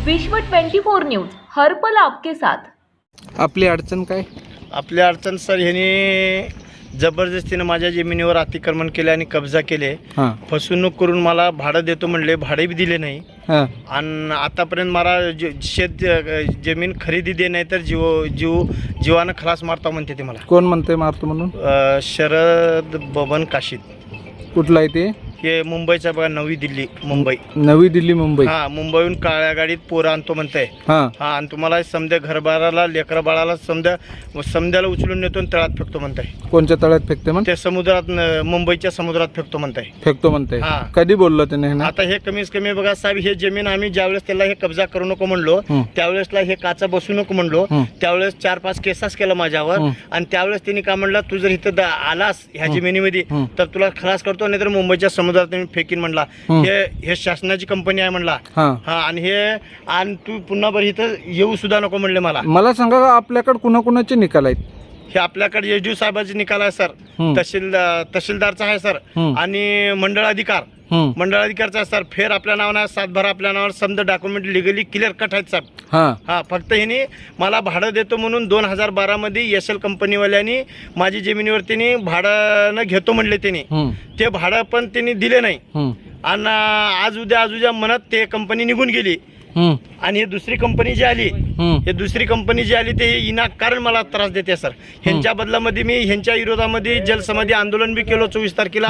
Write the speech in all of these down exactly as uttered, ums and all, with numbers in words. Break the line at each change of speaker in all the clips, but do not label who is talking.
विश्व twenty four news हर पल आपके साथ।
आपली अडचण काय?
आपली अडचण सर ह्याने जबरदस्तीनं माझ्या जमिनीवर अतिक्रमण केले आणि कब्जा केले।
हां
फसवणूक करून मला भाडं देतो म्हणले, भाडे बी दिले नाही।
हां
आणि आतापर्यंत मला ज- शेत जमीन खरेदी दे नाही तर जीव जीव जीवानं खलास मारता म्हणते ते मला।
कोण म्हणते मारतो म्हणून?
अ, शरद बबन काशीद,
कुठला आहे ते?
हे मुंबईचा बघा, नवी दिल्ली मुंबई।
नवी दिल्ली मुंबई।
हा, मुंबईहून काळ्या गाडीत पोरं आणतो म्हणताय।
हां
हा, आणि तुम्हाला समजा घरबाराला लेकरा बाळाला समजा समद्याला उचलून नेतो आणि तळात फेकतो म्हणताय।
कोणत्या तळ्यात फेकते म्हण?
ते समुद्रात न- मुंबईच्या समुद्रात फेकतो म्हणताय।
फेकतो म्हणते?
हां.
कधी बोललो त्याने हे ना?
आता हे कमीच कमी बघा साहेब, हे जमीन आम्ही ज्यावेळेस त्याला हे कब्जा करू नको म्हणलो,
हं.
त्यावेळेसला हे काचा बसू नको म्हणलो,
हं.
त्यावेळेस चार पाच केसेस केला माझ्यावर।
हं.
आणि त्यावेळेस त्यांनी काय म्हणलं, तू जर इथं दा- आलास ह्या जमिनीमध्ये
हं.
तर तुला खलास करतो, नाही तर मुंबईच्या समुद्रात मी फेकीन म्हणला।
हं.
हे हे शासनाची कंपनी आहे म्हणला।
हां
हा, आणि हे आणि तू पुन्हा बरं इथं येऊ सुद्धा नको म्हणले मला।
मला सांगा आपल्याकडे कुणाकुणाचे निकाल आहेत?
हे आपल्याकडे एस डी ओ साहेबाचे निकाल आहे सर,
हं.
तहसील तहसीलदारचा आहे सर,
हं.
आणि मंडळ अधिकार
हं.
मंडळ अधिकारचा आहे सर। फेर आपल्या नावानं, सातबारा आपल्या नावावर, समजा डॉक्युमेंट लिगली क्लिअर कट आहेत साहेब।
हां
हा, फक्त ह्याने मला भाडं देतो म्हणून दोन हजार बारामध्ये एस एल कंपनीवाल्यांनी माझी जमिनीवर त्यांनी भाडं घेतो म्हणले त्यांनी,
हं.
ते भाडं पण त्यांनी दिले नाही।
हं.
आणि आज उद्या आज उद्या म्हणत ते कंपनी निघून गेली।
हं.
आणि ही दुसरी कंपनी जी आली,
हं.
हे दुसरी कंपनी जी आली ते विनाकारण मला त्रास देते सर। ह्यांच्या बदलामध्ये मी ह्यांच्या विरोधामध्ये जलसमाधी आंदोलन बी केलो चोवीस तारखेला,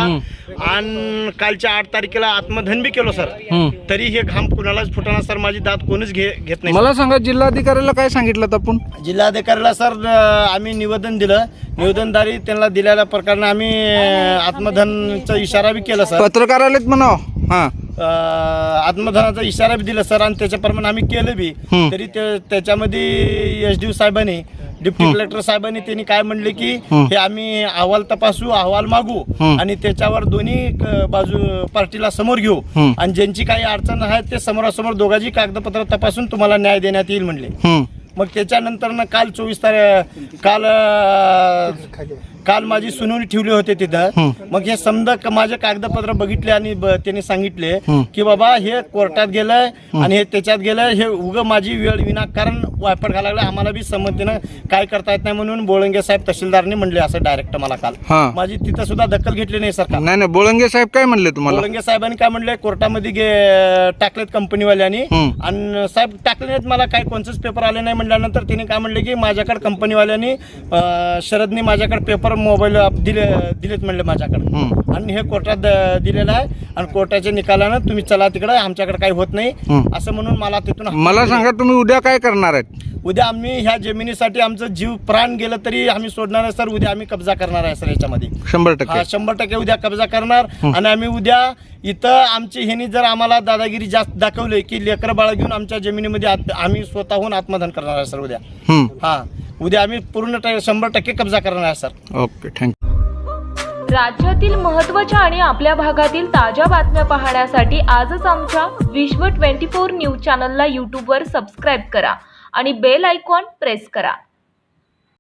आणि कालच्या आठ तारखेला आत्मधन बी केलो सर।
हं.
तरी हे घाम कुणालाच फुटाना सर, माझी दात कोणच घे घेत नाही।
मला सांगा जिल्हाधिकाऱ्याला काय सांगितलं आपण?
जिल्हाधिकाऱ्याला सर आम्ही निवेदन दिलं, निवेदनदारी त्यांना दिलेल्या प्रकारे आम्ही आत्मधनचा इशारा बी केला सर।
पत्रकार आलेत म्हणाव? हां
अ, आत्मधनाचा इशारा बी दिला सर, आणि त्याच्याप्रमाणे आम्ही केलं बी।
हं.
तरी ते त्याच्यामध्ये एस डी ओ साहेबांनी, डिप्टी कलेक्टर साहेबांनी त्यांनी काय म्हणले की
हं.
हे आम्ही अहवाल तपासू, अहवाल मागू,
हं.
आणि त्याच्यावर दोन्ही क- बाजू पार्टीला समोर घेऊ,
हं.
आणि ज्यांची काही अडचण आहे ते समोरासमोर दोघांची कागदपत्र तपासून तुम्हाला न्याय देण्यात येईल म्हणले।
हं.
मग त्याच्यानंतर ना काल चोवीस तारीख काल अ, काल माझी सुनावणी ठेवली होते तिथं।
हं.
मग हे समजा क- माझे कागदपत्र बघितले आणि ब- त्यांनी सांगितले
हं.
की बाबा हे कोर्टात गेलंय आणि हे त्याच्यात गेलंय, हे उग माझी वेळ विनाकारण वायपट घालायला लागलं, आम्हाला बी संमतीनं काय करता येत नाही म्हणून बोळंगे साहेब तहसीलदारने म्हणले असं डायरेक्ट मला काल।
हां.
माझी तिथं सुद्धा दखल घेतली नाही सरकार।
नाही नाही, बोळंगे साहेब काय म्हणले तुम्हाला?
बोळंगे साहेबांनी काय म्हणले, कोर्टामध्ये गे टाकलेत कंपनीवाल्यांनी,
हं. आणि
आणि साहेब टाकले नाहीत, मला काय कोणतेच पेपर आले नाही म्हणल्यानंतर त्यांनी काय म्हणले की माझ्याकडे कंपनीवाल्यांनी अं, शरदनी माझ्याकडे पेपर मोबाईल दिले दिलेत म्हणले माझ्याकडे,
हं.
आणि हे कोर्टात द- दिलेलं आहे, आणि कोर्टाच्या निकालानं तुम्ही चला तिकडे, आमच्याकडे काही होत नाही
हं.
असं म्हणून मला तिथून
मला सांगा तुम्ही उद्या काय करणार आहेत?
उद्या आम्ही ह्या जमिनीसाठी आमचं जीव प्राण गेलं तरी आम्ही सोडणार आहे सर। उद्या आम्ही कब्जा करणार आहे सर याच्यामध्ये,
शंभर
हा
टक्के
शंभर टक्के उद्या कब्जा करणार। आणि आम्ही उद्या इथं आमची ह्यांनी जर आम्हाला दादागिरी जास्त दाखवली की लेकरं बाळा घेऊन आमच्या जमिनीमध्ये आत- आम्ही स्वतःहून आत्मदहन करणार आहे सर उद्या।
हं.
हा, उद्या आम्ही पूर्ण ट- शंभर टक्के कब्जा करणार आहे सर।
Okay, thank you.
राज्यातील महत्त्वाच्या आणि आपल्या भागातील ताज्या बातम्या पाहण्यासाठी आजच आमच्या विश्व ट्वेंटी फोर न्यूज चॅनलला यूट्यूबवर सबस्क्राईब करा आणि बेल आयकॉन प्रेस करा।